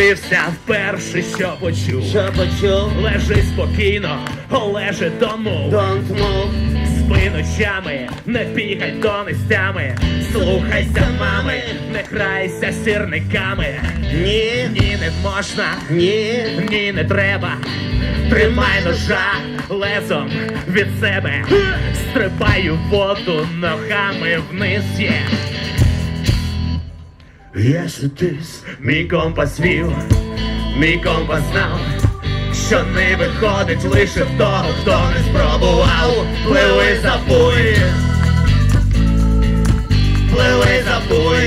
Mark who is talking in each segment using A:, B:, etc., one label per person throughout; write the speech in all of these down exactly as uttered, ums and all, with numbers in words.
A: Подивився вперше, що почув.
B: Що почув?
A: Лежи спокійно, лежи, don't move.
B: Don't move.
A: Спи ночами, не бігай донестями. Слухайся мами, не грайся сірниками.
B: Ні,
A: Ні, не можна,
B: ні.
A: ні, не треба. Тримай ножа лезом від себе. Стрибаю в воду ногами вниз є. Я сутис, мій компас вів, мій компас знав, що не виходить лише в того, хто не спробував. Пливи, забуй, пливи, забуй,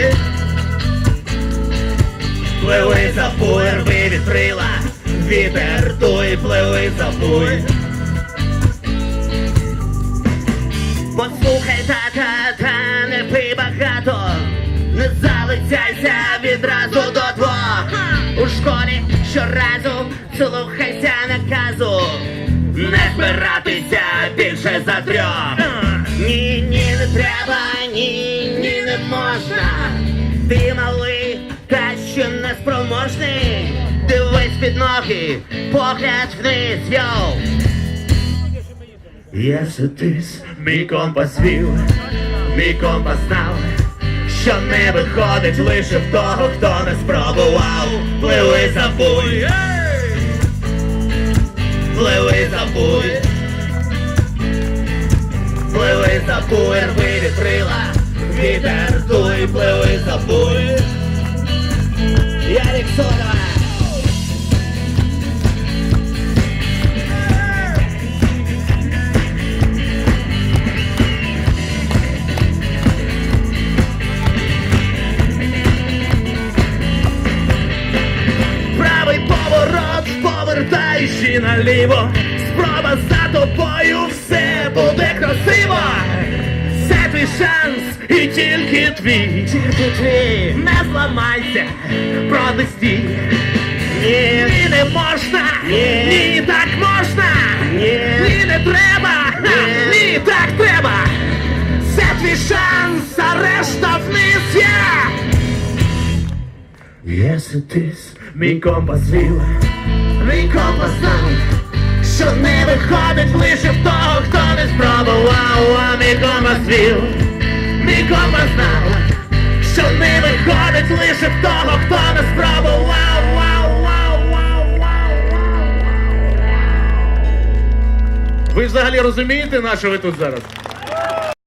A: пливи, забуй, рви вітрила, вітер дуй, пливи, забуй.
B: Послухай, тата, та не пий багато. Не залицяйся відразу до двох. У школі щоразу слухайся наказу. Не збиратися більше за трьох. Ні, ні, не треба, ні, ні, не можна. Ти малий, та що не спроможний. Дивись під ноги, погляд вниз, йоу.
A: Я сутис, мій компас вів, мій компас знав, що не виходить лише в того, хто не спробував. Пливи, забуй, пливи, забуй, пливи, забуй, рви вітрила, вітер дуй, пливи, забуй.
B: Ярик Сорова.
A: Правий поворот, повертаючи наліво. Спроба за тобою, все буде красиво. Це твій шанс і тільки твій.
B: Тільки твій.
A: Не зламайся, протестій.
B: Ні,
A: Ні, не можна,
B: Ні.
A: ні, так можна.
B: Ні.
A: Ні, не треба,
B: Ні.
A: ні, так треба. Це твій шанс, а решта вниз я. Я сутис, мій компас вів, мій компас знав, що не виходить лише в того, хто не спробував. А мій компас вів, мій компас знав, що не виходить лише в того, хто не спробував. Вау, вау, вау, вау, вау. Ви взагалі розумієте, на що ви тут зараз?